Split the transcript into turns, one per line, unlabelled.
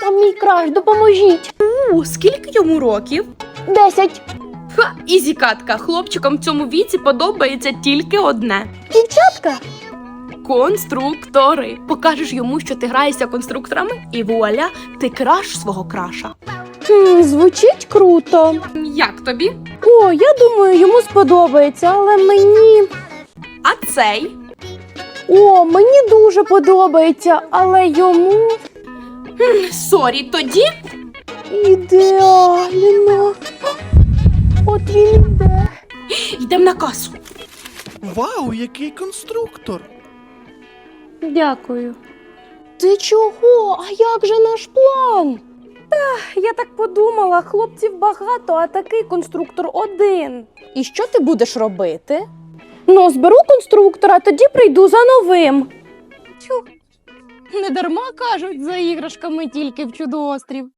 Там мій краш, допоможіть.
Скільки йому років?
10.
Ха, ізі катка. Хлопчикам в цьому віці подобається тільки одне.
Дівчатка?
Конструктори. Покажеш йому, що ти граєшся конструкторами, і вуаля, ти краш свого краша.
Звучить круто.
Як тобі?
О, я думаю, йому сподобається, але мені...
А цей?
О, мені дуже подобається, але йому...
Сорі, тоді?
Ідеально. От він іде.
Йдемо на касу.
Вау, який конструктор!
Дякую. Ти чого? А як же наш план? Я так подумала, хлопців багато, а такий конструктор один. І що ти будеш робити? Ну, зберу конструктора, тоді прийду за новим. Тьфу. Не дарма кажуть, за іграшками тільки в чудоострів.